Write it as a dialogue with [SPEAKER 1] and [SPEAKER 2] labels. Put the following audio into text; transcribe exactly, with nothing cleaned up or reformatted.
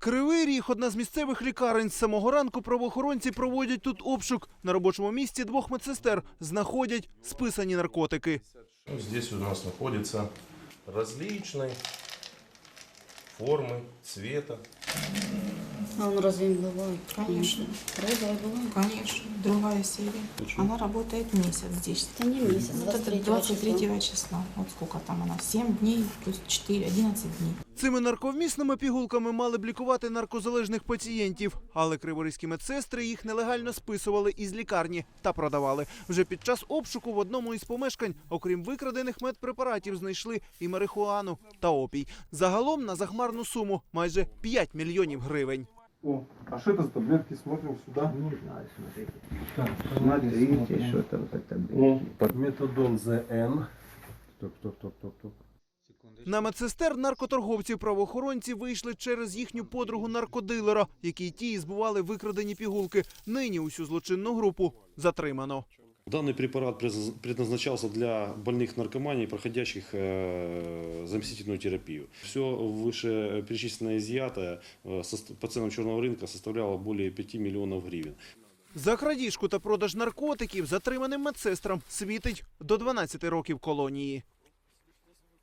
[SPEAKER 1] Кривий Ріг – одна з місцевих лікарень. З самого ранку правоохоронці проводять тут обшук. На робочому місці двох медсестер знаходять списані наркотики.
[SPEAKER 2] Здесь у нас знаходяться различные формы, цвета.
[SPEAKER 3] А он разве не бывает?
[SPEAKER 4] Конечно.
[SPEAKER 3] Розовый бывает?
[SPEAKER 4] Конечно, другая серия.
[SPEAKER 2] Почему?
[SPEAKER 4] Она работает месяц здесь.
[SPEAKER 3] Это не месяц,
[SPEAKER 4] Вот
[SPEAKER 3] двадцать
[SPEAKER 4] это
[SPEAKER 3] третьего
[SPEAKER 4] двадцать третьего числа. Вот сколько там она? семь дней плюс четыре, одиннадцать дней.
[SPEAKER 1] Цими нарковмісними пігулками мали б лікувати наркозалежних пацієнтів. Але криворізькі медсестри їх нелегально списували із лікарні та продавали. Вже під час обшуку в одному із помешкань, окрім викрадених медпрепаратів, знайшли і марихуану та опій. Загалом на захмарну суму – майже п'ять мільйонів гривень.
[SPEAKER 5] О, а что это за таблетки? Смотрим сюда.
[SPEAKER 6] Не знаю, смотрите.
[SPEAKER 5] Так,
[SPEAKER 6] Смотрите, что там за таблетки.
[SPEAKER 5] Метадон ЗН. Стоп, стоп, стоп, стоп, стоп.
[SPEAKER 1] На медсестер наркоторговців правоохоронці вийшли через їхню подругу наркодилера, якій ті і збували викрадені пігулки. Нині усю злочинну групу затримано.
[SPEAKER 7] Данный препарат предназначался для больных наркоманий, проходящих э, заместительную терапию. Все вышеперечисленное изъятое э, по ценам черного рынка составляло более пяти миллионов гривен.
[SPEAKER 1] За крадіжку та продаж наркотиків затриманим медсестрам світить до дванадцяти років колонії.